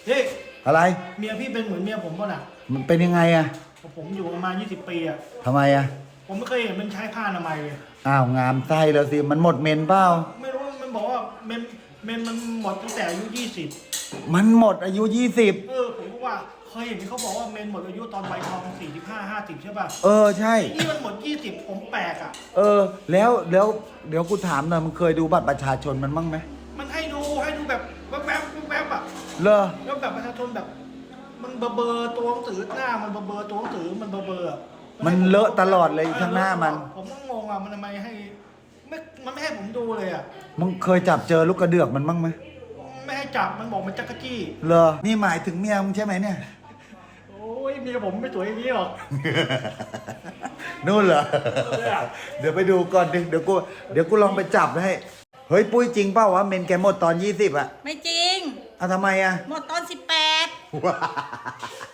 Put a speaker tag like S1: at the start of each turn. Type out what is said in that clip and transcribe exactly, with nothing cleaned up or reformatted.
S1: เฮ้ย
S2: อะไร
S1: เมียพี่เป็นเหมือนเมียผมป่ะน่ะ
S2: มันเป็นยังไงอะ
S1: ผมอยู่ประมาณยี่สิบปีอะ
S2: ทำไมอะ
S1: ผมไม่เคยเห็นมันใช้ผ้าอนามัยเลย
S2: อ้าวงามไส้แล้วสิมันหมดเมนเปล่า
S1: ไม่รู้มันบอกว่าเมนเมนมันหมดตั้งแต่อายุยี่สิบ
S2: มันหมดอายุยี่สิบ
S1: เออผมก็ว่าเคยเห็นที่เขาบอกว่าเมนหมดอายุตอนวัยทองสี่สิบห้าห้าสิบใช่ป่ะ
S2: เออใช่
S1: นี่มันหมดยี่สิบผมแปลกอ่ะ
S2: เออแล้วแล้วเดี๋ยวกูถามหน่อยมึงเคยดูบัตรประชาชนมันบ้างไหม
S1: มันให้ดูให้ดูแบบแวบแวบแวบอ่ะ
S2: เลอ
S1: แล้วแบบประชาชนแบบมันเบอเบอร์ตัวหนังสือหน้ามันเบอเบอร์ตัวหนังสือมันเบอเบอร์
S2: มันเลอะตลอดเลยข้างหน้ามัน
S1: ผมก็งงอ่ะมันทำไมให้ไม่มันไม่ให้ผมดูเลยอ่ะ
S2: มึงเคยจับเจอลูกกระเดือกมันบ้างไหม
S1: ไม่ให้จับมันบอกมันจักรจี้
S2: เลอนี่หมายถึงเมียมึงใช่ไหมเนี่ย
S1: โอ้ยเมียผมไม่สวยอย่างนี้หรอก
S2: นู่นเหรอเดี๋ยวไปดูก่อนดิเดี๋ยวกูเดี๋ยวกูลองไปจับให้เฮ้ยปุ้ยจริงเปล่าวะเมนแกหมดตอนยี่สิบอะ
S3: ไม่จริง
S2: อ่ะทำไมอะ
S3: หมดตอนสิบแปด